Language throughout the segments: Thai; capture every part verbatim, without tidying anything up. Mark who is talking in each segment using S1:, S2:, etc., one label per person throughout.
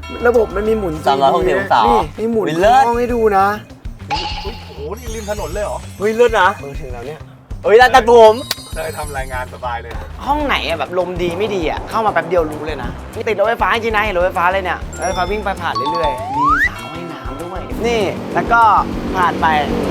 S1: ระบบมันมีหมุน
S2: สามร้อยหกสิบองศานี่
S1: มีหมุนห้องให้ดูนะ
S3: โอ้โหนี่ริมถนนเลยเหรอ
S2: เฮ้ยเลิศนะ
S1: เออถึงแล้วเนี่ย
S2: เฮ้ยร้านตัดผม
S3: เลยทำรายงานสบายเลย
S1: ห้องไหนอะแบบลมดีไม่ดีอะเข้ามาแป๊บเดียวรู้เลยนะนี่ติดรถไฟฟ้าจริงนะเห็นรถไฟฟ้าเลยเนี่ยรถไฟฟ้าวิ่งไปผ่านเรื่อยๆมีสาวให้น้ำด้วยนี่แล้วก็ผ่านไป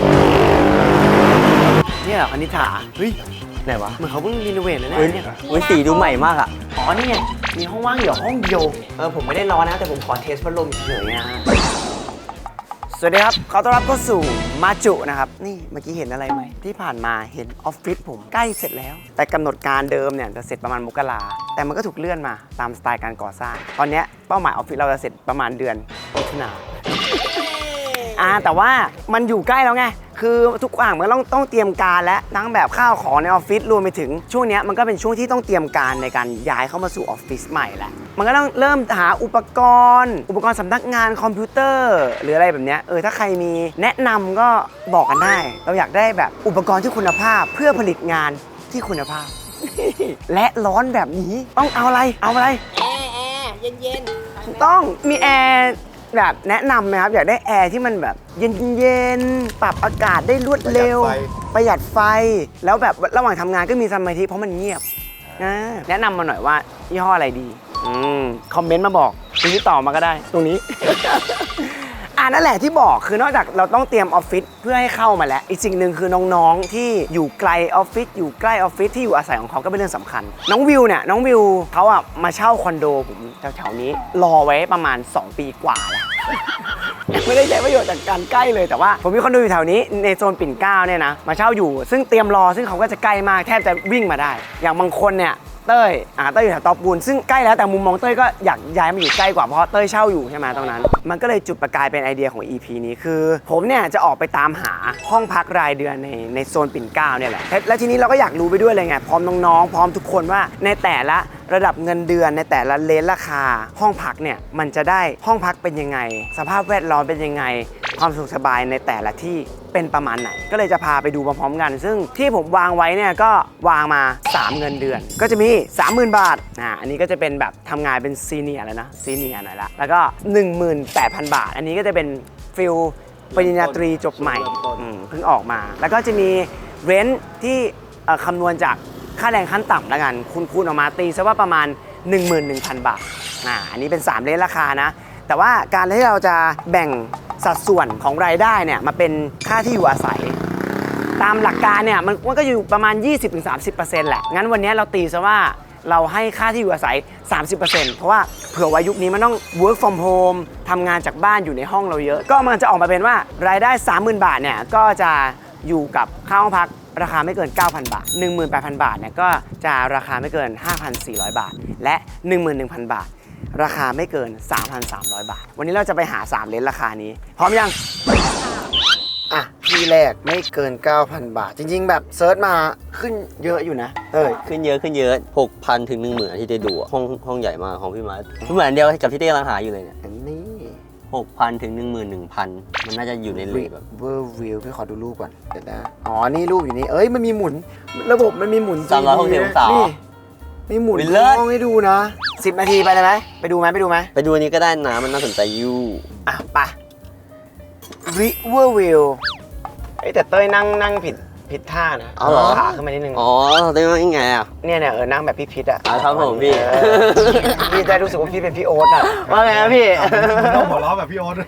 S1: นี่เหรอคณิ t าเฮ้ยไหนวะเหมือนเขาเพิ่งรีโนเวทเลยเนี่ย
S2: เฮ้ยสีดูใหม่มากอ่ะ
S1: อ๋อนี่ไงมีห้องว่างอยู่ห้องเดียวเออผมไม่ได้ร้อนนะแต่ผมขอเทสพัดลมเฉยๆนะสวัสดีครับขอต้อนรับเข้าสู่มาจุนะครับนี่เมื่อกี้เห็นอะไรไหมที่ผ่านมาเห็นออฟฟิศผมใกล้เสร็จแล้วแต่กำหนดการเดิมเนี่ยจะเสร็จประมาณมกราแต่มันก็ถูกเลื่อนมาตามสไตล์การก่อสร้างตอนนี้เป้าหมายออฟฟิศเราจะเสร็จประมาณเดือนมิถุนายนอ่าแต่ว่ามันอยู่ใกล้แล้วไงคือทุกอย่างมันต้องต้องเตรียมการและทั้งแบบข้าวของในออฟฟิศรวมไปถึงช่วงนี้มันก็เป็นช่วงที่ต้องเตรียมการในการย้ายเข้ามาสู่ออฟฟิศใหม่แล้วมันก็ต้องเริ่มหาอุปกรณ์อุปกรณ์สำนักงานคอมพิวเตอร์หรืออะไรแบบนี้เออถ้าใครมีแนะนำก็บอกกันได้เราอยากได้แบบอุปกรณ์ที่คุณภาพเพื่อผลิตงานที่คุณภาพ และร้อนแบบนี้ต้องเอาอะไรเอาอะไร
S4: แอร์แอร์เย็นๆ
S1: ต้องมีแอร์แบบแนะนำไหมครับอยากได้แอร์ที่มันแบบเย็นๆปรับอากาศได้รวดเร็วประหยัดไฟแล้วแบบระหว่างทำงานก็มีสมาธิเพราะมันเงียบนะแนะนำมาหน่อยว่ายี่ห้ออะไรดีอืมคอมเมนต์มาบอกติดต่อมาก็ได้ตรงนี้ อ่านั่นแหละที่บอกคือนอกจากเราต้องเตรียมออฟฟิศเพื่อให้เข้ามาแล้วอีกสิ่งหนึ่งคือน้องๆที่อยู่ไกลออฟฟิศอยู่ใกล้ออฟฟิศที่อยู่อาศัยของเขาก็เป็นเรื่องสำคัญน้องวิวเนี่ยน้องวิวเขาอ่ะมาเช่าคอนโดผมแถวๆนี้รอไว้ประมาณสองปีกว่าแล้วไม่ได้ใช้ประโยชน์จากการใกล้เลยแต่ว่าผมมีคอนโดอยู่แถวนี้ในโซนปิ่นเกล้าเนี่ยนะมาเช่าอยู่ซึ่งเตรียมรอซึ่งเขาก็จะใกล้มากแทบจะวิ่งมาได้อย่างบางคนเนี่ยเต้ยอ่าเต้ยอยู่แถวตอปูนซึ่งใกล้แล้วแต่มุมมองเต้ยก็อยากย้ายมาอยู่ใกล้กว่าเพราะเต้ยเช่าอยู่ใช่ไหมตรงนั้นมันก็เลยจุดประกายเป็นไอเดียของ อี พี นี้คือผมเนี่ยจะออกไปตามหาห้องพักรายเดือนในในโซนปิ่นเกล้าเนี่ยแหละและทีนี้เราก็อยากรู้ไปด้วยเลยไงพร้อมน้องๆพร้อมทุกคนว่าในแต่ละระดับเงินเดือนในแต่ละเลนราคาห้องพักเนี่ยมันจะได้ห้องพักเป็นยังไงสภาพแวดล้อมเป็นยังไงความสุขสบายในแต่ละที่เป็นประมาณไหนก็เลยจะพาไปดูพร้อมๆกันซึ่งที่ผมวางไว้เนี่ยก็วางมาสามเงินเดือนก็จะมี สามหมื่น บาทอ่าอันนี้ก็จะเป็นแบบทำงานเป็นซีเนียร์แล้วนะซีเนียร์หน่อยละแล้วก็ หนึ่งหมื่นแปดพัน บาทอันนี้ก็จะเป็นฟิลปริญญาตรีจบใหม่เพิ่งออกมาแล้วก็จะมีเรนท์ที่คำนวณจากค่าแรงขั้นต่ำแล้วกันคูณๆออกมาตีซะว่าประมาณ หนึ่งหมื่นหนึ่งพัน บาทอ่าอันนี้เป็นสามเลนราคานะแต่ว่าการที่เราจะแบ่งสัดส่วนของรายได้เนี่ยมาเป็นค่าที่อยู่อาศัยตามหลักการเนี่ยมันมันก็อยู่ประมาณ ยี่สิบถึงสามสิบเปอร์เซ็นต์ แหละงั้นวันนี้เราตีซะว่าเราให้ค่าที่อยู่อาศัย สามสิบเปอร์เซ็นต์ เพราะว่าเผื่อว่ายุคนี้มันต้อง work from home ทำงานจากบ้านอยู่ในห้องเราเยอะก็มันจะออกมาเป็นว่ารายได้ สามหมื่น บาทเนี่ยก็จะอยู่กับค่าห้องพักราคาไม่เกิน เก้าพัน บาท หนึ่งหมื่นแปดพัน บาทเนี่ยก็จะราคาไม่เกิน ห้าพันสี่ร้อย บาทและ หนึ่งหมื่นหนึ่งพัน บาทราคาไม่เกิน สามพันสามร้อย บาทวันนี้เราจะไปหาสามเลนราคานี้พร้อมยังอ่ะที่แรกไม่เกิน เก้าพัน บาทจริงๆแบบเซิร์ชมาขึ้นเยอะอยู่นะเออ
S2: ขึ้นเยอะขึ้นเยอะ หกพัน ถึง หนึ่งหมื่น ที่ได้ดูห้องห้องใหญ่มากของพี่มาร์ทเหมือนเดียวกับที่ได้กำลังหาอยู่เลยเนี่ย
S1: อันนี้
S2: หกพัน ถึง หนึ่งหมื่นหนึ่งพัน มันน่าจะอยู่ในเลทแบบ
S1: เวอร์วิวพี่ขอดูรูปก่อนเดี๋ยวนะอ๋อนี่รูปอยู่นี่เอ้ยมันมีหมุนระบบมันมีหมุน
S2: สามร้อยหกสิบองศา
S1: นี่มีหมุนห้องให้ดูนะสิบนาทีไปเลยไหมไปดูไหมไปดูไหม
S2: ไปดูอันนี้ก็ได้นะมันน่าสนใจอยู่
S1: อ่ะไปริเวอร์วิวไอ้แต่เต้ยนั่งนั่งผิดผิดท่านะ
S2: เอาหรอ
S1: ขาขึ้นมานิดนึง
S2: อ๋อเต้ยนั่งยังไงอ่ะ
S1: เนี่ยเนี่ยเออนั่งแบบพี่พิษอ่ะ
S2: ครับผมพี่
S1: พี่ได้รู้สึกว่าพี่เป็นพี่โอ๊ตอ่ะว่าไงพี่
S3: ต้องหัวเราะแบบพี่โอ๊ต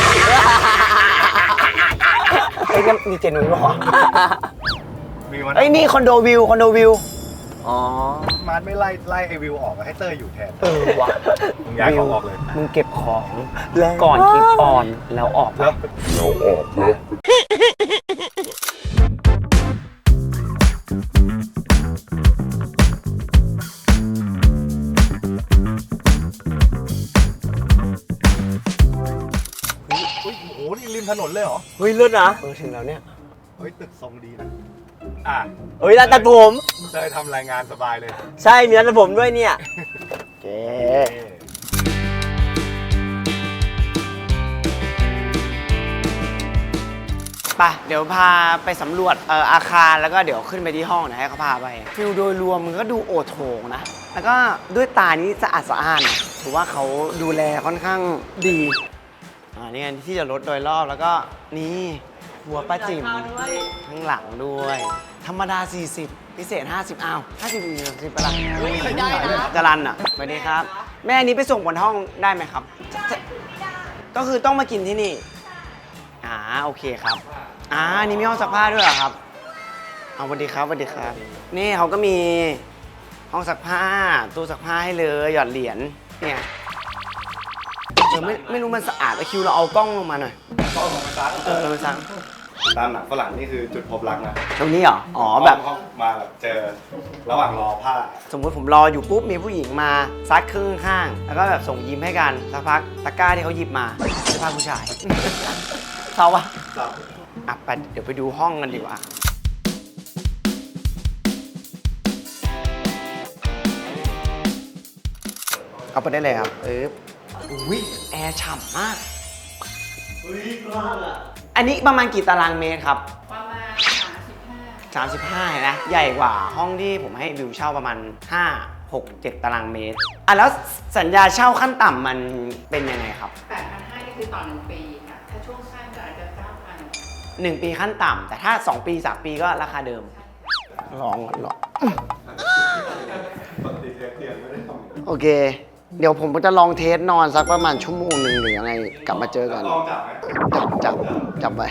S1: ไอ้นี่มีเจนุ้ยบอก
S3: มีวัน
S1: ไอ้นี่คอนโดวิวคอนโดวิว
S3: อ๋อมาร์ทไม่ไล่ไล่ไอวิวออกให้เต้ยอยู่แทน
S1: เออว่ะ
S3: มึงย้ายของออกเลย
S1: มึงเก็บของก่อนคลิปออนแล้วออก
S3: แล้วแล้วออกแล้วเฮ้ยโอ้โหนี่ริมถนนเลยเหรอ
S2: เฮ้ยเลิศนะ
S1: เออถึงแล้วเนี่ย
S3: เฮ้ยตึกทรงดีนะอ่ะ
S2: เฮ้ยร้านตัดผม
S3: เต้ยทำรายงานสบายเลย
S2: ใช่มีร้านตัดผมด้วยเนี่ย
S1: เจ๊ไปเดี๋ยวพาไปสำรวจอาคารแล้วก็เดี๋ยวขึ้นไปที่ห้องนะให้เขาพาไปฟิลโดยรวมมันก็ดูโอโถงนะแล้วก็ด้วยตานี้สะอาดสะอ้านถือว่าเขาดูแลค่อนข้างดีอ่านี่ไงที่จะรถโดยรอบแล้วก็นี่หัวป้าจิ๋มข้างหลังด้วย ธรรมดา สี่สิบ พิเศษ ห้าสิบอ้าวห้าสิบอีกสิบไปละ
S4: ไม่ได้นะ
S1: จรันอ่ะสวัสดีครับ แม่อันนี้ไปส่งบนห้องได้ไหมครับ ก็คือต้องมากินที่นี่อ่าโอเคครับอ่านี่มีห้องซักผ้าด้วยเหรอครับเอาสวัสดีครับสวัสดีครับ นี่เขาก็มีห้องซักผ้าตู้ซักผ้าให้เลยหยอดเหรียญเนี่ยเออไม่ไม่รู้มันสะอาดแต่คิวเราเอากล้องลงมาหน่อย
S3: ก็เอามาซัก
S1: เออเราซัก
S3: ตามหนังฝรั่งนี่คือจุดพบรักนะ
S1: ตรงนี้เหรออ๋อแบบ
S3: ห้องมาแบบเจอระหว่างรอผ้า
S1: สมมติผมรออยู่ปุ๊บมีผู้หญิงมาซักครึ่งข้างแล้วก็แบบส่งยิ้มให้กันสักพักตะกร้าที่เขาหยิบมาเสื้อผ้าผู้ชาย เศร้าปะ
S3: ครับ
S1: อ่ะไปเดี๋ยวไปดูห้องกันดีกว่าเอาไปได้เลยครับเอออุ้ยแอร์ฉ่ำมาก
S2: เฮ้ยกว้างอ่ะ
S1: อันนี้ประมาณกี่ตารางเมตรครับ
S4: ประมาณสามสิบห้า
S1: สามสิบห้าเห็นไหมใหญ่กว่าห้องที่ผมให้วิวเช่าประมาณห้า หก เจ็ดตารางเมตรอ่ะแล้วสัญญาเช่าขั้นต่ำมันเป็นยังไงครับ
S4: แปดพันห้านี่คือต่อหนึ่งปีค่ะ ถ้าช่วงสั้นก็อาจจะเก้าพัน
S1: หนึ่งปีขั้นต่ำแต่ถ้าสองปีสามปีก็ราคาเดิมลองลอง
S3: ปกติเทปเตียงไม่ได้ทำ
S1: โอเค เดี๋ยวผมจะลองเทสนอนสักประมาณชั่วโมงหนึ่งหรือยังไงกลับมาเจอกัน
S3: ลองจับไหม
S1: จับจับจับไป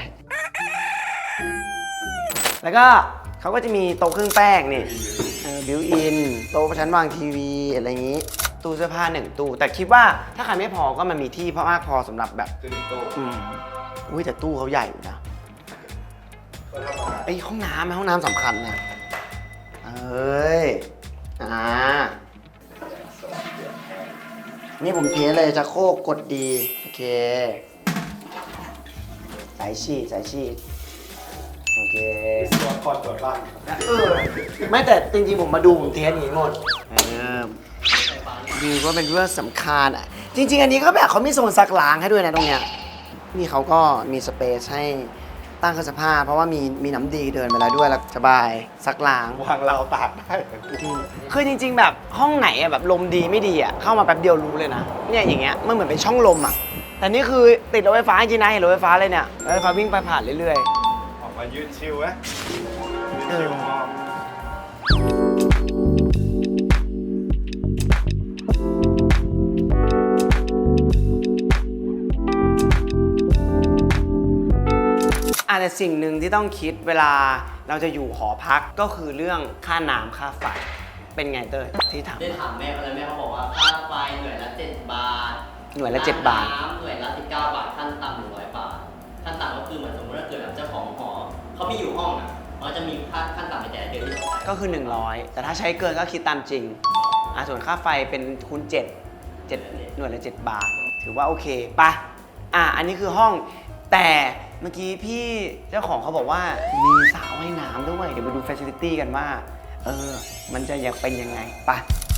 S1: แล้วก็เขาก็จะมีโต๊ะเครื่องแป้งนี่บิวอินโต๊ะชั้นวางทีวีอะไรอย่างนี้ ตู้เสื้อผ้าหนึ่งตู้ แต่คิดว่าถ้าใครไม่พอก็มันมีที่เพราะมากพอสำหรับแบบ
S3: คือหนึ่งโต๊ะ
S1: อืมอุ้ยแต่ตู้เขาใหญ่อยู่นะ
S3: ก็ทำงาน
S1: ไอ้ยห้องน้ำห้องน้ำสำคัญนะเอ้ยอ่านี่ผมเทสเลยจะโครกกดดีโอเคสายฉีดสายฉีดโอเค
S3: ตัวคอนตัวบ้าน
S1: เออไม่แต่จริงๆผมมาดูผมเทสอย่างนี้หมดเออวิวก็เป็นเรื่องสำคัญอ่ะจริง ๆ อันนี้ก็แบบเขามีโซนซักล้างให้ด้วยนะตรงเนี้ยนี่เขาก็มีสเปซให้ตั้งเครื่องซักผ้าเพราะว่ามีมีน้ำดีเดินไปแล้วด้วยแล้วสบายซักล้าง
S3: วางเราวตากได้
S1: คือจริง ๆ แบบห้องไหนอะแบบลมดีไม่ดีอะเข้ามาแป๊บเดียวรู้เลยนะเนี่ยอย่างเงี้ยมันเหมือนเป็นช่องลมอะแต่นี่คือติดรถไฟฟ้าจริงนะเห็นรถไฟฟ้าเลยเนี่ยรถไฟฟ้าวิ่งไปผ่านเรื่อย
S3: ออกมายืดชิวไหมยืดชิวมอง
S1: ๆอาจจะสิ่งหนึ่งที่ต้องคิดเวลาเราจะอยู่หอพักก็คือเรื่องค่าน้ำค่าไฟเป็นไงเต้ยที่ถาม
S2: ได้ถามแม่เขาแล้วแม่เขาบอกว่าค่าไฟหน่วยละเจ็ดบาท
S1: หน่วยละเจ็ดบาท
S2: น้ำหน่วยละสิบเก้าบาทขั้นต่ำหนึ่งร้อยบาทขั้นต่ำก็คือเหมือนสมมติว่าเกิดแบบเจ้าของหอเขามีอยู่ห้องอ่ะเขาจะมีค่าขั้นต่ำในแต่ละเดือนที่เขาจ่าย
S1: ก็คือ หนึ่งร้อย แต่ถ้าใช้เกินก็คิดตามจริงอ่ะส่วนค่าไฟเป็นคูณเจ็ด เจ็ดหน่วยละเจ็ดบาท ถือว่าโอเคปะอ่ะอันนี้คือห้อง แต่เมื่อกี้พี่เจ้าของเขาบอกว่ามีสระว่ายน้ำด้วย เดี๋ยวไปดู facility กันว่า เออ มันจะยังเป็นยังไงปะ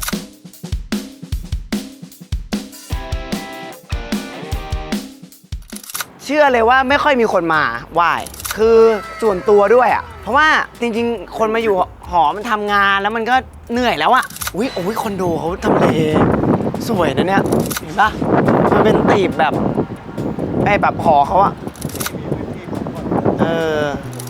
S1: เชื่อเลยว่าไม่ค่อยมีคนมาไหว้คือส่วนตัวด้วยอ่ะ เพราะว่าจริงๆ คนมาอยู่หอมันทำงานแล้วมันก็เหนื่อยแล้วอ่ะอุ้ยโอ้ยคอนโดเขาทำเลสวยนะเนี่ย เห็นปะมันเป็นตีบแบบไอ้แบบหอเขาอ่ะ เออ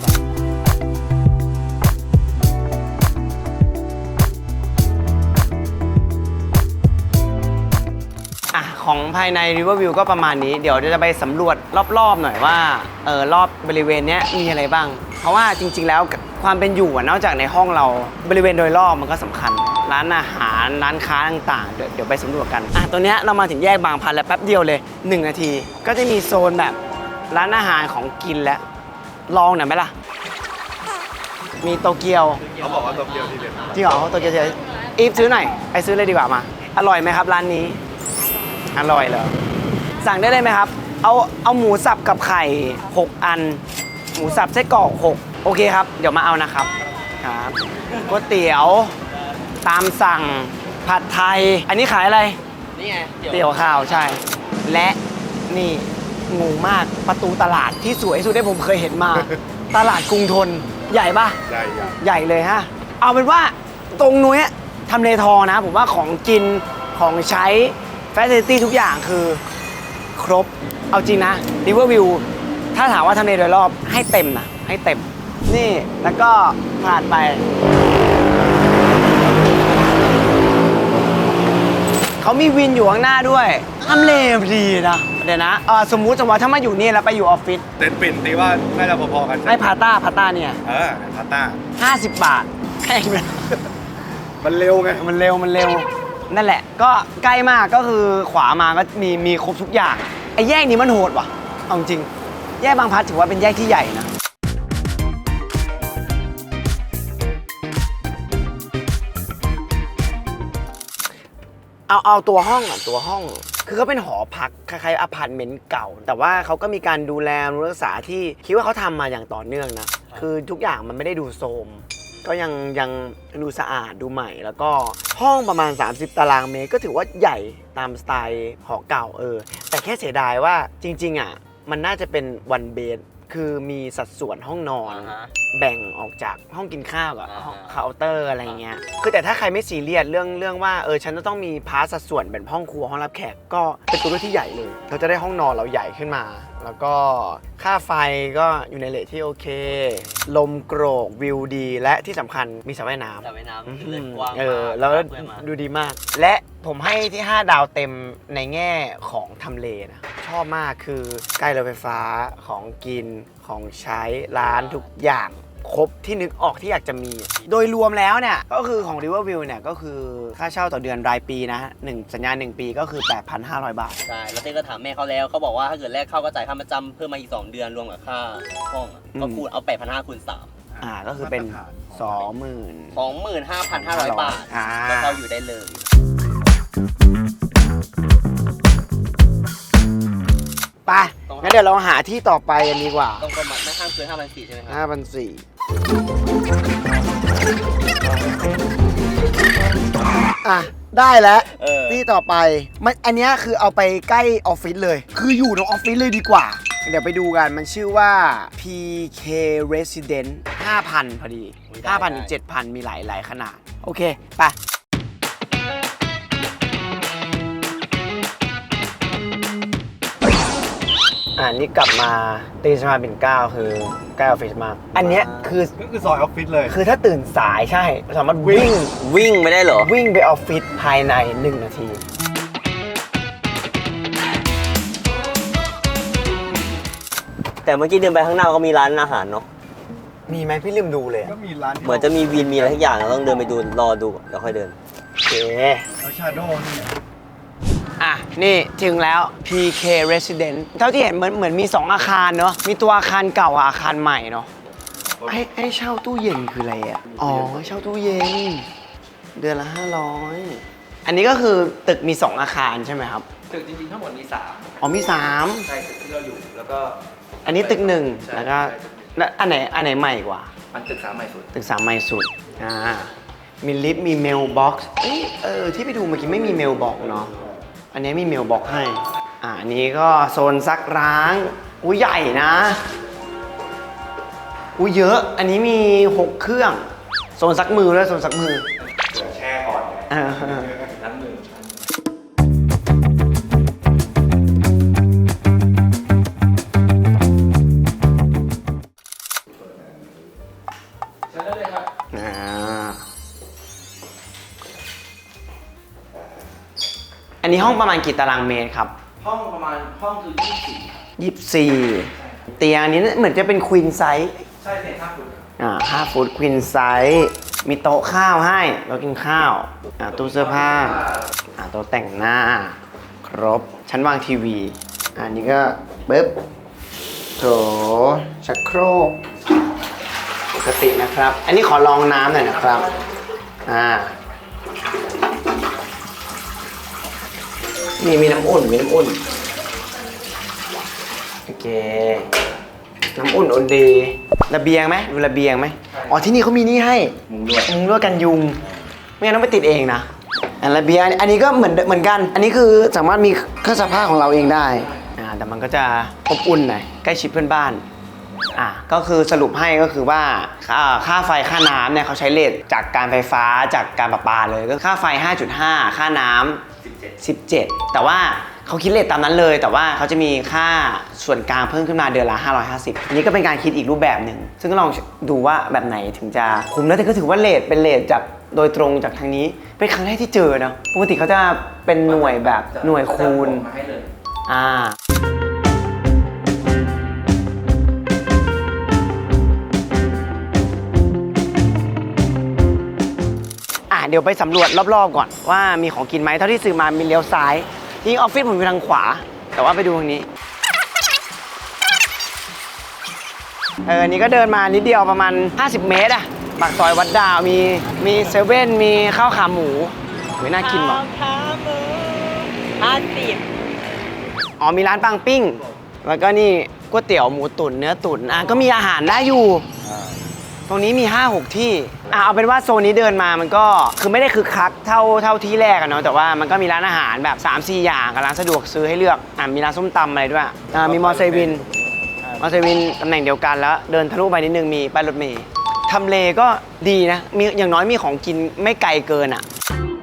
S1: อ่ะของภายใน River View ก็ประมาณนี้ เดี๋ยวจะไปสำรวจรอบๆหน่อยว่าเออรอบบริเวณเนี้ยมีอะไรบ้าง เพราะว่าจริงๆแล้วความเป็นอยู่อะนอกจากในห้องเราบริเวณโดยรอบมันก็สำคัญ ร้านอาหารร้านค้าต่างๆ เดี๋ยวเดี๋ยวไปสำรวจกันอ่ะตัวเนี้ยเรามาถึงแยกบางพลันแล้วแป๊บเดียวเลยหนึ่งนาที ก็จะมีโซนแบบร้านอาหารของกินแล้วลองหน่อยไหมล่ะ มีโตเกียว
S3: เขาบอกว่าตัวเดียวที่เด็ด
S1: จริงเหรอโตเกียวเฉยอีฟซื้อหน่อยไปซื้อเลยดีกว่ามา อร่อยไหมครับร้านนี้ อร่อยเหรอสั่งได้เลยไหมครับ เอาเอาหมูสับกับไข่หกอัน หมูสับไส้กรอกหกโอเคครับ เดี๋ยวมาเอานะครับครับก๋วยเตี๋ยวตามสั่งผัดไทย อันนี้ขายอะไร
S2: นี่ไง
S1: เตี๋ยวข้าวใช่ และนี่งูมากประตูตลาดที่สวยที่สุดที่ผมเคยเห็นมา ตลาดกรุงทนใหญ่ปะ
S3: ใหญ่ใหญ่
S1: ใหญ่เลยฮะ เอาเป็นว่าตรงนู้นทำเลทองนะ ผมว่าของกินของใช้แฟซิลิตี้ทุกอย่างคือครบเอาจริงนะริเวอร์วิวถ้าถามว่าทำเลโดยรอบให้เต็มนะให้เต็มนี่แล้วก็ผ่านไปเขามีวินอยู่ข้างหน้าด้วยทำเลดีนะเดี๋ยวนะเอ่อสมมุติสมมติว่าถ้ามาอยู่นี่แล้วไปอยู่ออฟฟิศ
S3: เต็นท์ปิ่นตีว่าน่าจะพอๆกัน
S1: ให้พาต้าพาต้าเนี่ย
S3: เออพาต้า
S1: ห้าสิบบาทแพงเลย
S3: มันเร็วไง
S1: มันเร็วมันเร็วนั่นแหละก็ใกล้มากก็คือขวามาก็มีมีครบทุกอย่างไอ้แยกนี้มันโหดว่ะเอาจริงแยกบางพลัดถือว่าเป็นแยกที่ใหญ่นะเอาเอาตัวห้องอ่ะตัวห้องคือเขาเป็นหอพักคล้ายๆอพาร์ตเมนต์เก่า แต่ว่าเขาก็มีการดูแลรักษาที่คิดว่าเขาทำมาอย่างต่อเนื่องนะคือทุกอย่างมันไม่ได้ดูโทรมก็ยังยังดูสะอาดดูใหม่ แล้วก็ห้องประมาณสามสิบตารางเมตรก็ถือว่าใหญ่ตามสไตล์หอเก่าเออแต่แค่เสียดายว่าจริงๆอ่ะมันน่าจะเป็นวันเบดคือมีสัดส่วนห้องนอน
S2: อ่าฮะ
S1: แบ่งออกจากห้องกินข้าวกับ
S2: อ่าฮะ
S1: ห้องเคาน์เตอร์อะไรเงี้ยคือแต่ถ้าใครไม่ซีเรียสเรื่องเรื่องว่าเออฉันจะต้องมีพาร์ทสัดส่วนเป็นห้องครัวห้องรับแขกก็เป็นตัวเลือกที่ใหญ่เลยเราจะได้ห้องนอนเราใหญ่ขึ้นมา แล้วก็ค่าไฟก็อยู่ในเรทที่โอเค ลมโกรกวิวดี และที่สำคัญมีสระว่ายน้ำ
S2: แต่ว่ายน้ำคือเลยกว้าง
S1: เออ
S2: มาก
S1: แล้ว
S2: เพื่อนมา
S1: ดูดีมาก และผมให้ที่ ห้า ดาวเต็มในแง่ของทำเลนะ ชอบมากคือใกล้รถไฟฟ้าของกินของใช้ร้านทุกอย่างครบที่นึกออกที่อยากจะมี โดยรวมแล้วเนี่ย ก็คือของ Riverview เนี่ย ก็คือค่าเช่าต่อเดือนรายปีนะหนึ่งสัญญาหนึ่งปีก็คือ แปดพันห้าร้อย บาท
S2: ใช่แล้วเต้ก็ถามแม่เขาแล้วเขาบอกว่าถ้าเกิดแรกเข้าก็จ่ายค่าประจำเพิ่มมาอีกสองเดือนรวมกับค่าห้องอะ
S1: อืม
S2: ก็คูณเอาแปดพันห้าคูณสาม
S1: อ่าก็คือเป็น สองหมื่น
S2: สองหมื่นห้าพันห้าร้อยบาท
S1: อ่า
S2: ก็เข้าอยู่ได้เลย
S1: ไปงั้นเดี๋ยวเราหาที่ต่อไปกันดีกว่า
S2: ต้องประมาณไม่ห้ามเกินห้าพันสี่ใช่ไหมครับ
S1: ห้าพันสี่อ่ะ ได้แล้ว
S2: เออ
S1: ที่ต่อไปมันอันเนี้ยคือเอาไปใกล้ออฟฟิศเลย คืออยู่ในออฟฟิศเลยดีกว่า เดี๋ยวไปดูกันมันชื่อว่า พี เค Resident ห้าพัน พอดี ห้าพัน ถึง เจ็ดพัน มีหลายหลายขนาด โอเค ไป อ่านี่กลับมาตีสมาเป็นเก้าคือใกล้ออฟฟิศมาก อันเนี้ยคือ
S3: ก็คือซอยออฟฟิศเลย
S1: คือถ้าตื่นสายใช่ สามารถวิ่ง
S2: วิ่งไม่ได้เหรอ
S1: วิ่งไปออฟฟิศภายในหนึ่งนาที
S2: แต่เมื่อกี้เดินไปข้างหน้าก็มีร้านอาหารเนาะ
S1: มีไหมพี่ลืมดูเลยอะ
S3: ก็มีร้านที่
S2: เหมือนจะมีวินมีอะไรทุกอย่างเราต้องเดินไปดูรอดูก่อนเดี๋ยวค่อยเดิน
S1: โอเค
S3: แล้วชาโดว์นี่
S1: อ่ะ นี่ถึงแล้ว พี เค Resident เท่าที่เห็นเหมือนเหมือนมี สอง อาคารเนาะ มีตัวอาคารเก่ากับอาคารใหม่เนาะ ให้ให้เช่าตู้เย็นคืออะไรอ่ะ อ๋อ เช่าตู้เย็น เดือนละ ห้าร้อย อันนี้ก็คือตึกมี สอง อาคารใช่ไหมครับ
S5: ตึกจริงๆทั้งหมดมีสาม
S1: อ๋อมี สาม
S5: ใช่ตึกที่เราอยู่แล้วก็
S1: อันนี้ตึกหนึ่ง
S5: ใช่
S1: แล้วก็แล้วอันไหนอันไหนใหม่กว่า
S5: มันตึกสามใหม่สุด
S1: ตึกสามใหม่สุด อ่า มีลิฟต์ มีเมลบ็อกซ์เอ้ยเออ ที่ไปดูเมื่อกี้ไม่มีเมลบ็อกซ์เนาะ อันนี้มีเมลบ็อกซ์ให้ อ่าอันนี้ก็โซนซักร้างอุ้ยใหญ่นะ อุ้ยเยอะ อันนี้มี หก เครื่อง โซนซักมือด้วยโซนซักมือ
S3: เดี๋ยวแช่ก่อน
S1: อ่า
S5: ล้างมือ ใช้ได้เลยครับ
S1: อ่า อันนี้ห้องประมาณกี่ตารางเมตรครับ
S5: ห้องประมาณห้องคือยี่สิบสี่
S1: ยี่สิบสี่ เตียงอันนี้เหมือนจะเป็นควีนไซส์
S5: ใช่เนี่ยห้าฟุต
S1: อ่าห้าฟุตควีนไซส์มีโต๊ะข้าวให้เรากินข้าวอ่าตู้เสื้อผ้าอ่าโต๊ะแต่งหน้า ครบ ชั้นวางทีวี อันนี้ก็ปึ๊บโถชักโครกปกตินะครับ อันนี้ขอลองน้ำหน่อยนะครับ อ่า นี่มีน้ำอุ่น มีน้ำอุ่น โอเค น้ำอุ่นอุ่นดี ระเบียงไหมดูระเบียงไหมอ๋อที่นี่เขามีนี่ให้
S3: มุงลวด
S1: มุงลวดกันยุง ไม่งั้นต้องไปติดเองนะอันระเบียงอันนี้ก็เหมือนเหมือนกัน อันนี้คือสามารถมีเครื่องซักผ้าของเราเองได้อ่าแต่มันก็จะอบอุ่นหน่อยใกล้ชิดเพื่อนบ้านอ่ะก็คือสรุปให้ก็คือว่าค่าค่าไฟค่าน้ำเนี่ยเขาใช้เรทจากการไฟฟ้าจากการประปาเลยก็ค่าไฟ ห้าจุดห้า ค่าน้ำสิบเจ็ด แต่ว่าเขาคิดเรทตามนั้นเลย แต่ว่าเขาจะมีค่าส่วนกลางเพิ่มขึ้นมาเดือนละห้าร้อยห้าสิบอันนี้ก็เป็นการคิดอีกรูปแบบหนึ่งซึ่งก็ลองดูว่าแบบไหนถึงจะคุ้มแล้วแต่ก็ถือว่าเรทเป็นเรทจากโดยตรงจากทางนี้เป็นครั้งแรกที่เจอนะปกติเขาจะเป็นหน่วยแบบหน่วยคูณ
S5: มาให้เลย
S1: อ่าอ่ะเดี๋ยวไปสำรวจรอบๆก่อนว่ามีของกินไหมเท่าที่ซื้อมามีเลี้ยวซ้ายจริงออฟฟิศผมอยู่ทางขวาแต่ว่าไปดูทางนี้เออนี่ก็เดินมานิดเดียวประมาณห้าสิบเมตรอะปากซอยวัดดาวมีมีเซเว่นมีข้าวขาหมูโหน่ากินหรอ
S6: ขาหมูห้าสิบ
S1: อ๋อมีร้านปังปิ้งแล้วก็นี่ก๋วยเตี๋ยวหมูตุ๋นเนื้อตุ๋นอ่ะก็มีอาหารได้อยู่ตรงนี้มี ห้าหก ที่อ่ะเอาเป็นว่าโซนนี้เดินมามันก็คือไม่ได้คือคักเท่าเท่าที่แรกอะเนาะแต่ว่ามันก็มีร้านอาหารแบบ สามสี่ อย่างกับร้านสะดวกซื้อให้เลือกอ่ะมีร้านส้มตำอะไรด้วยอ่ะมีมอเซวินมอเซวินตำแหน่งเดียวกันแล้วเดินทะลุไปนิดนึงมีป้ายรถเมล์ทำเลก็ดีนะมีอย่างน้อยมีของกินไม่ไกลเกินอ่ะ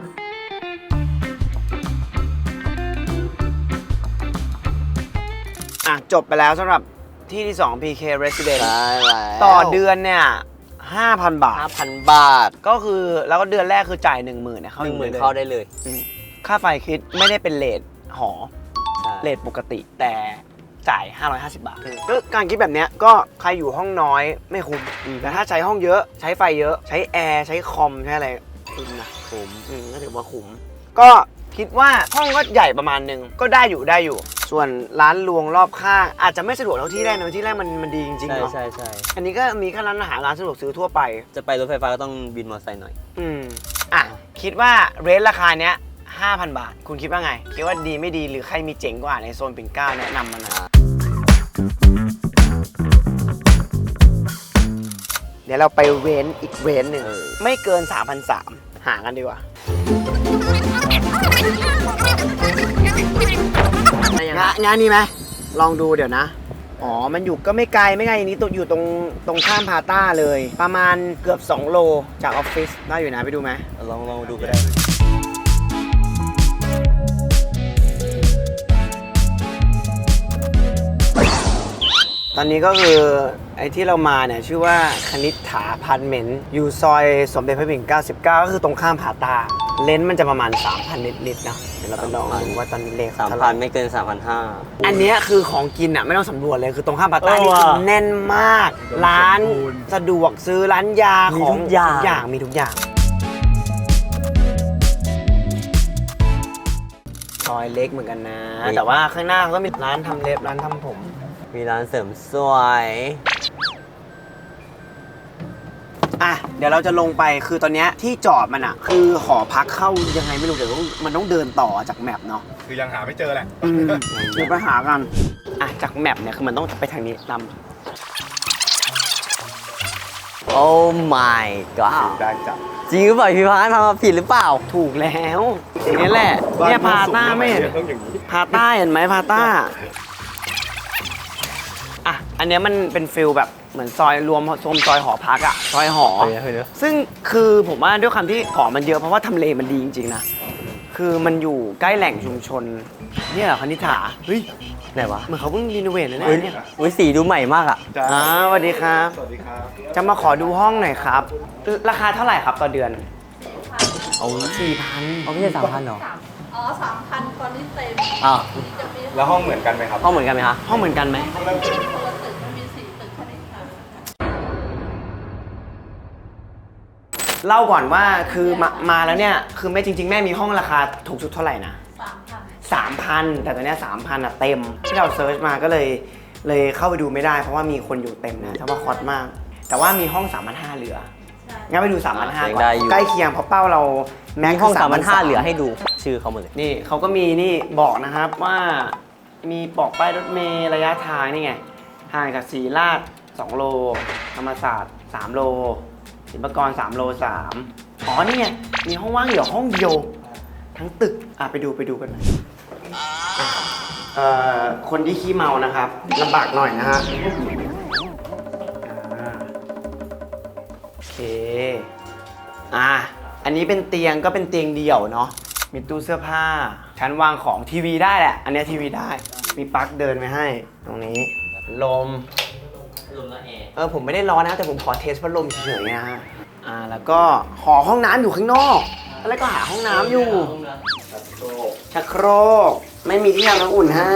S1: อ่ะจบไปแล้วสำหรับที่ที่ สอง พี เค Residence ต่อเดือนเนี่ย ห้าพัน บาท
S6: ห้าพัน บาท
S1: ก็คือแล้วก็เดือนแรกคือจ่าย หนึ่งหมื่นเนี่ยเข้า
S6: หนึ่งหมื่น
S1: ลย
S6: เข้าได้เลย
S1: อืมค่าไฟคิดไม่ได้เป็นเรทหอ
S6: ใช่
S1: เรทปกติแต่จ่าย ห้าร้อยห้าสิบ บาทก็การคิดแบบเนี้ยก็ใครอยู่ห้องน้อยไม่คุ้มแต่ถ้าใช้ห้องเยอะใช้ไฟเยอะใช้แอร์ใช้คอมใช้อะไรคุ้มนะคุ้มอืมก็ถือว่าคุ้มก็คิดว่าห้องก็ใหญ่ประมาณนึงก็ได้อยู่ได้อยู่ ส่วนร้านรวงรอบข้างอาจจะไม่สะดวกเท่าที่แรกนะที่แรกมันมันดีจริงๆ
S6: ใช่
S1: เนาะ
S6: ใช่ใช่
S1: อันนี้ก็มีแค่ร้านอาหารร้านสะดวกซื้อทั่วไป
S6: จะไปรถไฟฟ้าก็ต้องบินมอเตอร์ไซค์หน่อย
S1: อืมอ่ะคิดว่าเรทราคาเนี้ยห้าพัน บาท คุณคิดว่าไง คิดว่าดีไม่ดีหรือใครมีเจ๋งกว่าในโซนปิ่นเกล้าแนะนำมาหน่อยเดี๋ยวเราไปเว้นอีกเว้นหนึ่งไม่เกิน สามพันสามร้อย หากันดีกว่า งานงานนี้ไหมลองดูเดี๋ยวนะ อ๋อ มันอยู่ก็ไม่ไกลไม่ไกลนี้ตัวอยู่ตรงตรงข้ามพาต้าเลย ประมาณเกือบ สอง โลจากออฟฟิศได้อยู่นะไปดูไหม
S6: ลองลองดูก็ได้
S1: ตอนนี้ก็คือไอ้ที่เรามาเนี่ยชื่อว่าคณิษฐาพาร์ทเมนต์อยู่ซอยสมเด็จพระปิ่นเกล้าสิบเก้าก็คือตรงข้ามพาต้าเลนส์มันจะประมาณ สามพัน นิดๆนะเดี๋ยวเราไปลองดูว่าตอนนี้เลข
S6: สาม
S1: เท่าไห
S6: พั
S1: ร่
S6: นไม่เกินสามพันห้า
S1: อันเนี้ยคือของกินอ่ะไม่ต้องสำรวจเลยคือตรงข้ามพาต้า
S6: เออ
S1: นี่คือ
S6: ว่ะ
S1: แน่นมาก ร้านสะดวกซื้อร้านยา
S6: มี
S1: ของ
S6: ทุกอย่าง
S1: ทุกอย่างมีทุกอย่างซอยเล็กเหมือนกันนะ แต่ว่าข้างหน้าก็มีร้านทำเล็บร้านทำผม
S6: มีร้านเสริมสวย
S1: อ่ะเดี๋ยวเราจะลงไปคือตอนเนี้ยที่จอดมันอ่ะคือหอพักเข้ายังไงไม่รู้เดี๋ยวมันต้องเดินต่อจากแมปเนาะ
S3: คือยังหาไม่เจอแหละ
S1: อืมเดี๋ยวไปหากันอ่ะจากแมปเนี่ยคือมันต้องไปทางนี้นำ
S6: โอ้ my god
S3: ได้จับ
S6: จริงหรือเปล่าพี่พานทำมาผิดหรือเปล่า
S1: ถูกแล้วอย่างนี้แหละเนี่ยพาต้าไม่เห็น
S3: ต้องอย่างนี้
S1: พาต้าเห็นไหมพาต้าอ่ะอันเนี้ยมันเป็นฟิลแบบเหมือนซอยรวมโซนซอยหอพักอะซอยหอ ซึ่งคือผมว่าด้วยคำที่หอมันเยอะเพราะว่าทำเลมันดีจริงๆนะคือมันอยู่ใกล้แหล่งชุมชนเนี่ยเหรอคณิษฐาเฮ้ย
S6: ไหนวะ
S1: เหมือนเขาเพิ่งรีโนเวทนะ
S6: อุ้ย
S1: เนี่ย
S6: อุ้ยสีดูใหม่มากอ่ะ
S3: จ้า
S1: อ่าสวัสดีครับ
S3: สวัสดีครับ
S1: จะมาขอดูห้องหน่อยครับ ราคาเท่าไหร่ครับต่อเดือน
S6: เอา
S1: สี่พัน
S6: เอาไม่ใช่สามพันหรอ
S4: อ๋อสามพันตอนนี้เต็ม
S6: อ้าว
S4: จะมี
S3: แล้วห้องเหมือนกันไหมครับ
S6: ห้องเหมือนกันไหมคะ
S1: ห้องเหมือนกันไหม
S4: คนละตึกมันมีสี่ตึกคณิตศาสตร์
S1: เล่าก่อนว่าคือมามาแล้วเนี่ยคือแม่จริง ๆ แม่มีห้องราคาถูกสุดเท่าไหร่นะ
S4: สามพัน
S1: สามพันแต่ตอนเนี้สามพันอ่ะเต็มที่เราเซิร์ชมาก็เลยเลยเข้าไปดูไม่ได้เพราะว่ามีคนอยู่เต็มนะถ้าว่าคอสมาก แต่ว่ามีห้อง สามพันห้าร้อย เหลือ
S4: ใช่
S1: งั้นไปดู สามพันห้าร้อย
S6: ยัง
S1: ก่อ
S6: ได้
S1: น
S6: อยู่
S1: ใกล้เคียงเพราะเป้าเราแม็
S6: มี
S1: กซ์
S6: ห้อง
S1: คื
S6: สามพันห้า
S1: สามพันสาม
S6: เหลือให้ดูชื่อเขาหมดเลย
S1: นี่เขาก็มีนี่บอกนะครับว่ามีบอกป้ายรถเมล์ระยะทางนี่ไงห่างจากศรีราชสองโลธรรมศาสตร์สามโลศิลปากรสามโลสามอ๋อนี่ไงมีห้องว่างอยู่ห้องเดียวทั้งตึกอ่ะไปดูไปดูกันหน่อยเอ่อคนที่ขี้เมานะครับลำบากหน่อยนะฮะอ่ะอันนี้เป็นเตียงก็เป็นเตียงเดี่ยวเนาะมีตู้เสื้อผ้าชั้นวางของทีวีได้แหละ อันเนี้ยทีวีได้มีปลั๊กเดินไว้ให้ตรงนี้ลม
S2: รวมแล้วแอร์
S1: เออผมไม่ได้ร้อนนะแต่ผมขอเทสพัดลมเฉยๆนะฮะอ่าแล้วก็หอห้องน้ำอยู่ข้างนอกแล้วก็หาห้องน้ำอยู่ ชักโครกไม่มีที่ทำน้ำอุ่นให้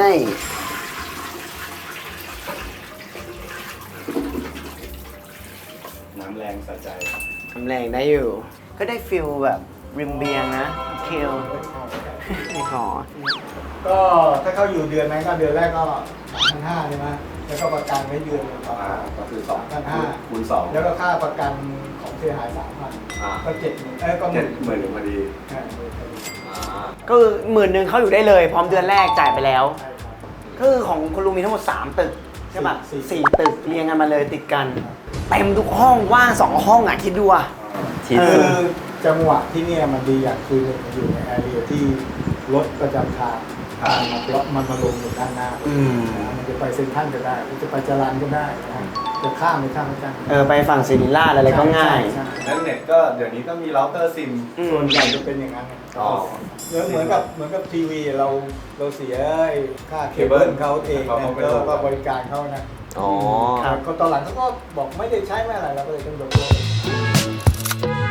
S3: น้ำแรงสะใจ
S1: ทำแรงได้อยู่ ก็ได้ฟิลแบบริมเบียงนะเคลไม่ขอ
S7: ก็ถ้าเข้าอยู่เดือนนั้นก็เดือนแรกก็สามพันห้าใช่ไหมแล้วก็ประกันไว้เดือนหนึ่งต่อ
S3: อ่าก็คือสอง
S7: พันห้า
S3: คูณสอง
S7: แล้วก็ค่าประกันของเสียหายสามพัน
S3: อ่า
S7: ก็เจ็ดหมื่นเอ้ยก็ห
S3: เจ็
S7: มื่
S3: ด
S7: น
S3: หมื่นหนึ่งพอดี
S7: ใช่หมื่นพอดี
S1: ก็คือหมื่นหนึ่งเขาอยู่ได้เลย พร้อมเดือนแรกจ่ายไปแล้ว
S7: ใช่ครับ
S1: ก็คือของคุณลุงมีทั้งหมด สาม ตึกใช่ปะ
S7: สี่
S1: สี่ตึกเรียงกันมาเลยติดกันเต็มทุกห้องว่างสองห้องอ่ะคิดดูอ่ะ
S6: ที่
S1: เอ
S6: สุ
S7: คื
S6: ด
S7: อจังหวะที่เนี่ยมันดีอย่างคือหนึ่งมันอยู่ในแอเรียที่รถประจำทางทางมันรถมันมาลงอยู่ด้านหน้า
S1: อืม
S7: นะมันจะไปเซ็นทรัลก็ได้มันจะไปจรัญก็ได้นะจะข้ามไปข้ามไปข้าม
S1: เออไปฝั่งศิริราชอะไรก็ง่าย
S7: ใช่ใช่
S3: แล้วเน็ตก็เดี๋ยวนี้ก็มีเราเตอร์ซิม
S1: อืม
S7: ส่วนใหญ่จะเป็นอย่างนั้น
S3: อ๋อ
S7: เหมือนเหมือนกับเหมือนกับทีวีเราเราเสียไอ้ค่าเคเบิลเขาเอง
S3: เขา
S7: นะ
S3: เอาไป
S7: ก็
S3: ลง
S7: ก็บริการเขานะ
S6: อ๋อ
S1: ครับ
S7: ก็ตอนหลังเขาก็บอกไม่ได้ใช้ไม่อะไรเราก็เลยต้องยกเลิก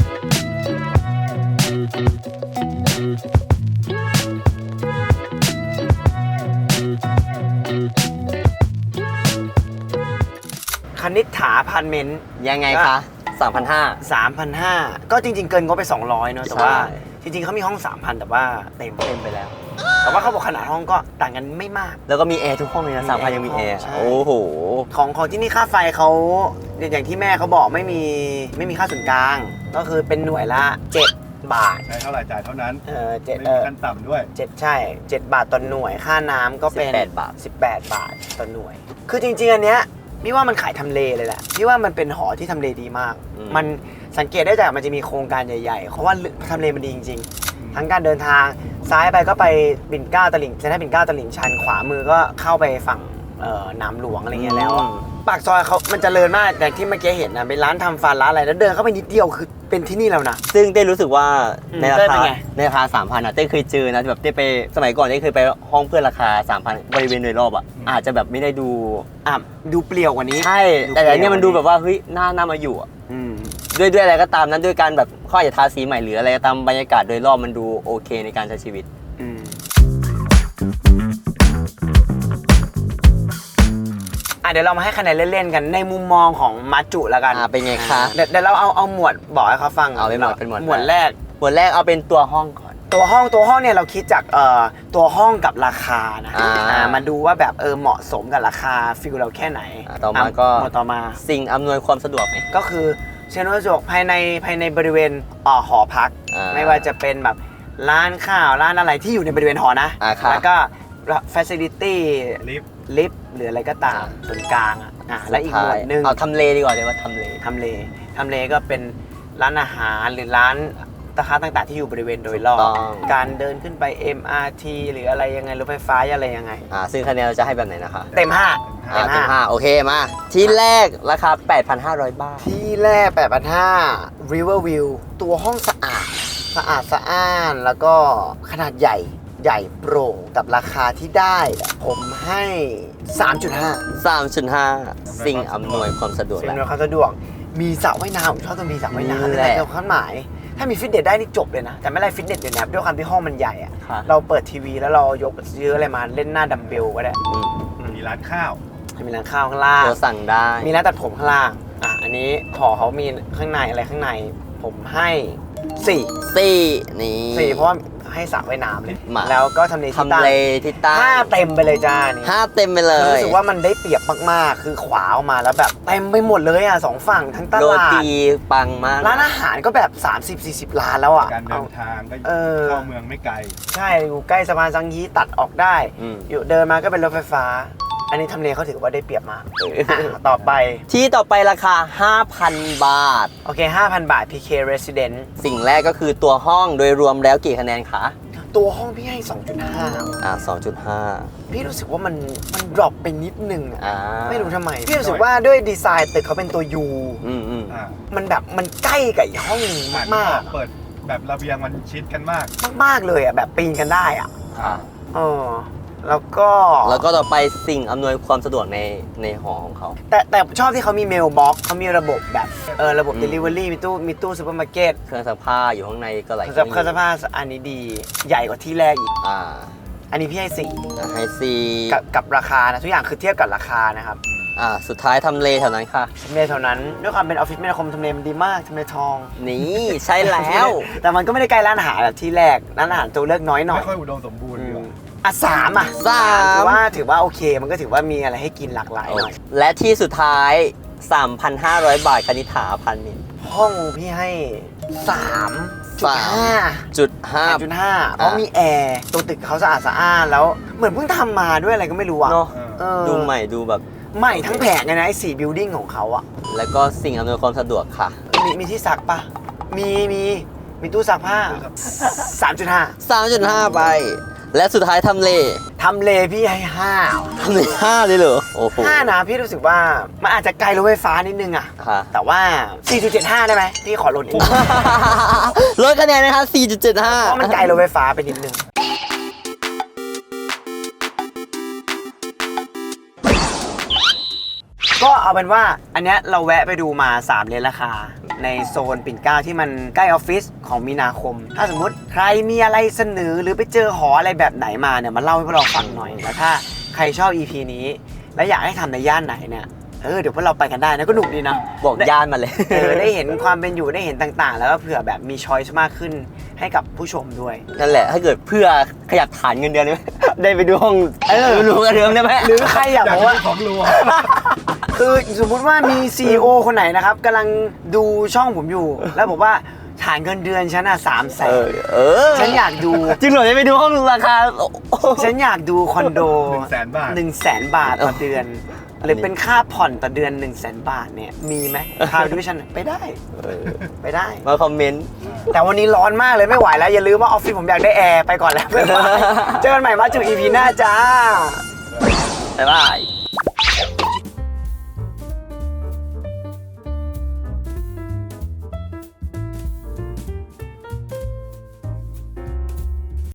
S1: คณิษฐาพันเมนต์
S6: ยังไงคะสามพันห้า
S1: สามพันห้าก็จริง ๆ เกินงบไปสองร้อยเนอะแต่ว่า
S6: ใช่
S1: จริง ๆเขามีห้อง สามพัน แต่ว่าเต็ม
S6: เต็มไปแล้ว
S1: แต่ว่าเขาบอกขนาดห้องก็ต่างกันไม่มาก
S6: แล้วก็มีแอร์ทุกห้องเลยนะ
S1: มี
S6: สามพัน
S1: แอร์
S6: ยังมี
S1: ทุก
S6: แอ
S1: ห้อง
S6: ร์
S1: ใช่
S6: โอ้โห
S1: ของของที่นี่ค่าไฟเขาอย่างที่แม่เขาบอกไม่มีไม่มีค่าส่วนกลาง ก็คือเป็นหน่วยละเจ็ดบาท
S3: ใช้เท่าไหร่จ่ายเท่านั้น
S1: เออเจ็ด
S3: ไม่
S1: เอ
S3: มี
S1: อ
S3: ขั้นต่ำด้วย
S1: เจ็ดใช่เจ็ดบาทต่อหน่วยค่าน้ำก็เป็น
S6: สิบแปดบาท
S1: สิบแปดบาทต่อหน่วย คือจริง ๆ อันเนี้ยพี่ว่ามันขายทำเลเลยแหละพี่ว่ามันเป็นหอที่ทำเลดีมาก มันสังเกตได้จากมันจะมีโครงการใหญ่ๆเพราะว่าทำเลมันดีจริง ๆ ทั้งการเดินทางซ้ายไปก็ไปปิ่นเกล้าตลิ่งเซ็นทรัลปิ่นเกล้าตลิ่งชันขวามือก็เข้าไปฝั่งเอ่อหนามหลวงอะไรเงี้ยแล้วอะปากซอยเขามันเจริญมากแต่ที่เมื่อกี้เห็นนะเป็นร้านทำฟันร้านอะไรแล้วเดินเข้าไปนิดเดียวคือเป็นที่นี่แล้วนะ
S6: ซึ่งเต้รู้สึกว่า
S1: อืม
S6: ในรา
S1: เต้เป็
S6: คาน
S1: ไง
S6: ในราคาสามพันอ่ะเต้เคยเจอนะแบบเต้ไปสมัยก่อนเต้เคยไปห้องเพื่อนราคาสามพันบริเวณโดยรอบอ่ะอาจจะแบบไม่ได้ดู
S1: อ่ะดูเปลี่ยวกว่านี้
S6: ใช่แต่อันเนี้ยมันดูแบบว่าเฮ้ยน่าน่ามาอยู่อ่ะ
S1: อืม
S6: ด้วยด้วยอะไรก็ตามนั้นด้วยการแบบข้ออาจจะทาสีใหม่หรืออะไรก็ตามบรรยากาศโดยรอบมันดูโอเคในการใช้ชีวิต
S1: อืมอ่ะเดี๋ยวเรามาให้คะแนนเล่นๆกันในมุมมองของมาจุแล้วกัน
S6: อ่าเป็นไงคะ
S1: เดี๋ยวเดี๋ยวเราเอาเอาหมวดบอกให้เขาฟัง
S6: เอาเป็นหมวดเป็นหมวด
S1: หมวดแรก
S6: บทแรกเอาเป็นตัวห้องก่อน
S1: ตัวห้องตัวห้องเนี่ยเราคิดจากเอ่อตัวห้องกับราคานะ
S6: อ่า
S1: อ่ามาดูว่าแบบเออเหมาะสมกับราคาฟิลเราแค่ไหน
S6: อ่าต่อมาก็
S1: หมวดต่อมา
S6: สิ่งอำนวยความสะดวกไหม
S1: ก็คือเชนวัสดุภายในภายในบริเวณอ่อหอพัก
S6: อ่า
S1: ไม่ว่าจะเป็นแบบร้านข้าวร้านอะไรที่อยู่ในบริเวณหอนะ
S6: อ่าครับ
S1: แล้วก็ facility
S3: ลิฟต์
S1: ลิฟต์หรืออะไรก็ตามส่วนกลางอ่ะอ่าและอีกหมวดหนึ่ง
S6: เอาทำเลดีกว่าเลยว่าทำเล
S1: ทำเลทำเลก็เป็นร้านอาหารหรือร้านตะค้าต่างๆที่อยู่บริเวณโดยรอบ
S6: ถูกต้อง
S1: การเดินขึ้นไป เอ็ม อาร์ ที หรืออะไรยังไงรถไฟฟ้าอะไรยังไง
S6: อ่าซึ่งคะแนนเราจะให้แบบไหนนะคะ
S1: เต็มห้า
S6: อ่าเต็มห้าโอเคมา ที่แรกราคา แปดพันห้าร้อย บาท
S1: ที่แรก แปดพันห้าร้อย River View ตัวห้องสะอาด สะอาดสะอ้าน แล้วก็ขนาดใหญ่ใหญ่โปร่งกับราคาที่ได้ ผมให้ สามจุดห้า
S6: สามจุดห้า สิ่งอำนวยความสะดวก
S1: สิ่ง
S6: แหละ
S1: อำนวยความสะดวก มีสระว่ายน้ำผมชอบตรงมีสระว่ายน้ำ
S6: นี่
S1: นั่น
S6: แห
S1: แห
S6: ละ
S1: ละความหมาย ถ้ามีฟิตเนสได้นี่จบเลยนะ แต่ไม่ไรฟิตเนสเดี๋ยวนี้ด้วยความที่ห้องมันใหญ่อะ
S6: ค่ะ
S1: เราเปิดทีวีแล้วเรายกซื้ออะไรมาเล่นหน้าดัมเบลก็ได้
S6: อืม
S3: มีร้านข้าว
S1: มีร้านข้าวข้างล่าง
S6: โทรสั่งได้
S1: มีร้านตัดผมข้างล่าง อ่ะ อันนี้หอเขามีข้างในอะไรข้างใน ผมให้สี่
S6: สี่นี่
S1: สี่เพราะว่าให้สระว่ายน้ำเลย
S6: มา
S1: แล้วก็ทำเลที่
S6: ทำ
S1: ตั้ง
S6: เลที่ตั้ง
S1: ห้าเต็มไปเลยจ้านี่
S6: ห้าเต็มไปเล
S1: คื
S6: ย
S1: อรู้สึกว่ามันได้เปรียบมากๆ คือขวาออกมาแล้วแบบเต็มไปหมดเลยอ่ะสองฝั่งทั้งต
S6: โร
S1: ลาด
S6: ตีปังมาก
S1: ร้านอาหารก็แบบ สามสิบสี่สิบ ร้านแล้วอ่ะ
S3: การเดินทางก็
S1: เออ
S3: เข้าเมืองไม่ไกล
S1: ใช่อยู่ใกล้สะพานสังฮีตัดออกได้
S6: อืม
S1: อยู่เดินมาก็เป็นรถไฟฟ้า อันนี้ทำเลเขาถือว่าได้เปรียบมากอ่ะต่อไป
S6: ที่ต่อไปราคา ห้าพัน บาท
S1: โอเค ห้าพัน บาท พี เค Resident
S6: สิ่งแรกก็คือตัวห้องโดยรวมแล้วกี่คะแนนคะ
S1: ตัวห้องพี่ให้ สองจุดห้า
S6: อ่าสองจุดห้า
S1: พี่รู้สึกว่ามันมันดรอปไปนิดนึงอะ
S6: อ่า
S1: ไม่รู้ทำไม พี่รู้สึกว่าด้วยดีไซน์ตึกเขาเป็นตัว U
S6: อืมอืม
S3: อ่า
S1: มันแบบมันใกล้กับอีกห้องหนึงมาก
S3: เปิดแบบระเบียงมันชิดกันมาก
S1: ๆมากๆเลยอะแบบปีนกันได้อะ
S6: ค่ะ
S1: เออแล้วก็
S6: แล้วก็ต่อไปสิ่งอำนวยความสะดวกในในหอของเขา
S1: แต่แต่ชอบที่เขามีเมลบ็อกเขามีระบบแบบเออระบบ
S6: อืม
S1: Delivery มีตู้มีตู้ซูเปอร์มาร์เก็ต
S6: เครื่องซักผ้าอยู่ข้างในก็หลาย
S1: เครื่องซักเครื่องซักผ้าอันนี้ดีใหญ่กว่าที่แรกอีก
S6: อ่า
S1: อันนี้พี่ให้สี่
S6: ให้ซี
S1: กับกับราคานะทุกอย่างคือเทียบกับราคานะครับ
S6: อ่าสุดท้ายทำเลแถวนั้นค่ะ
S1: ทำเลเท่านั้นด้วยความเป็นออฟฟิศแม่คมทำเลมันดีมากทำเลทอง
S6: นี่ใช่แล้ว
S1: แต่มันก็ไม่ได้ใกล้ร้านอาหารแบบที่แรกร้านอาหารตัวเลือกน้อยหน่อย
S3: ไม่ค่อยอุดมสมบูรณ์
S1: อื
S3: ดีก
S1: ม
S3: ว่า
S1: อ่ะสามอ่ะ
S6: สาม
S1: ถือว่าถือว่าโอเค มันก็ถือว่ามีอะไรให้กินหลากหลายหน่อย
S6: และที่สุดท้าย สามพันห้าร้อย บาทคณิษฐาพันนิน
S1: ห้องพี่ให้สามจุดห้า
S6: จุดห้า
S1: จุดห้าเพราะมีแอร์ตัวตึกเขาสะอาดสะอ้านแล้วเหมือนเพิ่งทำมาด้วยอะไรก็ไม่รู้อะ
S6: เนาะ
S1: เออ
S6: ดูใหม่ดูแบบ
S1: ใหม่ทั้งแผงเลยนะไอ้สี่บิลดิ้งของเขาอะ
S6: แล้วก็สิ่งอำนวยความสะดวกค่ะ
S1: มีมีที่ซักปะมีมีมีตู้ซักผ้าสามจุดห้า
S6: สามจุดห้า ไป และสุดท้ายทำเล
S1: ทำเลพี่ให้ห้า
S6: ทำเลห้าเลยเหรอ โอ้โห
S1: ห้านะพี่รู้สึกว่ามันอาจจะไกลรถไฟฟ้านิดนึงอะ
S6: ค่ะ
S1: แต่ว่า สี่จุดเจ็ดห้า ได้ไหมพี่ขอลดนิดนึง
S6: ลดคะแนนนะคะ สี่จุดเจ็ดห้า
S1: เพราะมันไกลรถไฟฟ้าไปนิดนึง ก็เอาเป็นว่าอันเนี้ยเราแวะไปดูมาสามเลนราคา ในโซนปิ่นเกล้าที่มันใกล้ออฟฟิศของมีนาคม ถ้าสมมุติใครมีอะไรเสนอหรือไปเจอหออะไรแบบไหนมาเนี่ยมาเล่าให้พวกเราฟังหน่อยแล้วถ้าใครชอบ อี พี นี้ และอยากให้ทำในย่านไหนเนี่ยเออเดี๋ยวพวกเราไปกันได้นะก็หนุกดีนะ
S6: บอกย่านมาเลย
S1: เออได้เห็นความเป็นอยู่ได้เห็นต่างๆ แล้วก็เผื่อแบบมีช้อยส์มากขึ้นให้กับผู้ชมด้วย
S6: นั่นแหละ ถ้าเกิดเพื่อขยับฐานเงินเดือนได้ไหม ได้ไปดูห้อง
S1: เออ
S6: รู้กันเดิมได้ไหม
S1: หรือใครอยาก
S3: อยา
S1: บ
S3: ก
S1: อกว่า
S3: ได้ของรัว
S1: คือสมมุติว่ามี ซี อี โอ คนไหนนะครับกำลังดูช่องผมอยู่ แล้วบอกว่าฐานเงินเดือนฉันอ่ะสามแส
S6: เอน อเออ
S1: ฉันอยากดู
S6: จริงเหรอจะไปดูห้องราคา
S1: ฉันอยากดูคอนโด
S3: หนึ่งแสนบาท
S1: หนึ่งแสนบาทต่อเดือน หรือเป็นค่าผ่อนต่อเดือน1นึ่งแสนบาทเนี่ยมีไหมค่าดูฉันไปได้
S6: เออ
S1: ไปได้
S6: มาคอมเมนต์
S1: แต่วันนี้ร้อนมากเลยไม่ไหวแล้ว อย่าลืมว่าออฟฟิศผมอยากได้แอร์ไปก่อนแล้วบ๊ายบายเจอกันใหม่มาจุ อี พี หน้าจ้า
S6: บ๊ายบาย